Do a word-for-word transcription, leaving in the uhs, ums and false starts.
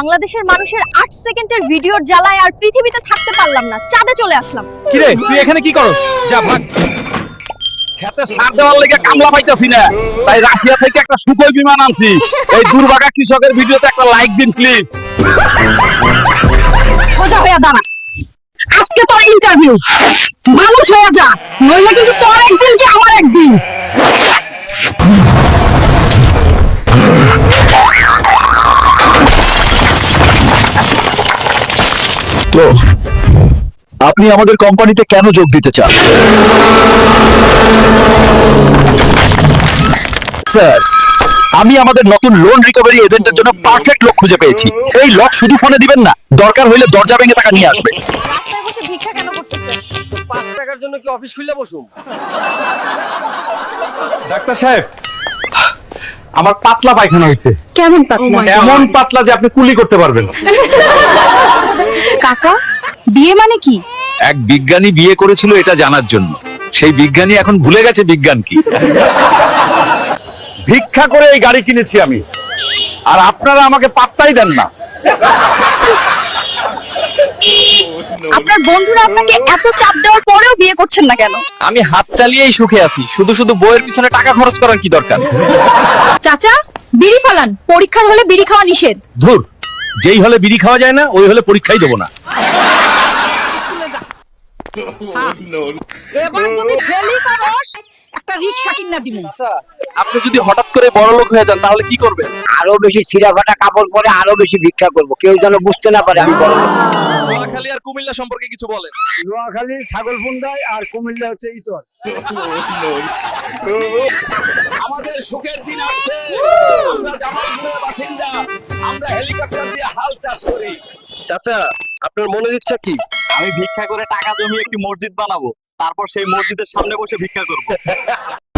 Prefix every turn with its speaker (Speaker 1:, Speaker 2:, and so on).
Speaker 1: বাংলাদেশের মানুষের আট সেকেন্ডের ভিডিওর জ্বালায় আর পৃথিবীতে থাকতে পারলাম না, চাঁদে চলে আসলাম।
Speaker 2: কি রে তুই এখানে কি করস? যা ভাগ।
Speaker 3: খেতে সার দেওয়ার লেগে কামলা পাইতাছি না, তাই রাশিয়া থেকে একটা সুখই বিমান আনছি। এই দুর্ভাগা কৃষকের ভিডিওতে একটা লাইক দিন প্লিজ।
Speaker 1: সোজা হয়ে দাঁড়া, আজকে তোর ইন্টারভিউ। মানুষ হয়ে যা, নইলে কিন্তু তোর একদিন কি আমার একদিন।
Speaker 2: তো আপনি আমাদের কোম্পানিতে কেন যোগ দিতে চান? স্যার, আমি আমাদের নতুন লোন রিকভারি এজেন্টের জন্য পারফেক্ট লোক খুঁজে পেয়েছি। এই লোক শুধু ফোনে দিবেন না, দরকার হইলে দরজা ভেঙে টাকা নিয়ে আসবে।
Speaker 1: রাস্তায় বসে ভিক্ষা কেন করতেছেন?
Speaker 4: পাঁচ টাকার জন্য কি অফিস খুলে বসুম?
Speaker 3: ডাক্তার সাহেব, আমার পাতলা পায়খানা হয়েছে।
Speaker 1: কেমন পাতলা?
Speaker 3: এমন পাতলা যে আপনি কুলি করতে পারবেন।
Speaker 1: কাকা, বিয়ে মানে কি?
Speaker 3: এক বিজ্ঞানী বিয়ে করেছিল এটা জানার জন্য। সেই বিজ্ঞানী এখন ভুলে গেছে বিজ্ঞান কি। ভিক্ষা করে এই গাড়ি কিনেছি আমি, আর আপনারা আমাকে পাত্তাই দেন না।
Speaker 1: আপনার বন্ধুরা আপনাকে এত চাপ দেওয়ার পরেও বিয়ে করছেন না কেন?
Speaker 3: আমি হাত চালিয়েই সুখে আছি, শুধু শুধু বইয়ের পিছনে টাকা খরচ করার কি দরকার?
Speaker 1: চাচা, বিড়ি ফালান, পরীক্ষার হলে বিড়ি খাওয়া নিষেধ।
Speaker 3: ধুর, যেই হলে বিড়ি খাওয়া যায় না ওই হলে পরীক্ষাই দেবো না।
Speaker 1: এবার যদি ফেলি করস, একটা রিকশা কিনা দিমু।
Speaker 3: আপনি যদি হঠাৎ করে বড় লোক হয়ে যান তাহলে কি করবেন?
Speaker 4: আরো বেশি ছিঁড়া ফাটা কাপড় পরে আরো বেশি ভিক্ষা করব, কেউ যেন বুঝতে না পারে আমি বড় লোক।
Speaker 3: নোয়াখালী আর কুমিল্লা সম্পর্কে কিছু বলেন।
Speaker 4: নোয়াখালী ছাগলপুন্ডায় আর কুমিল্লা হচ্ছে ইতর।
Speaker 3: আমাদের সুখের দিন আসছে। আমরা জামালপুরের বাসিন্দা, আমরা হেলিকপ্টার দিয়ে হাল চাষ করি।
Speaker 2: চাচা, আপনার মনের ইচ্ছা কি?
Speaker 3: আমি ভিক্ষা করে টাকা জমিয়ে একটি মসজিদ বানাবো, তারপর সেই মসজিদের সামনে বসে ভিক্ষা করব।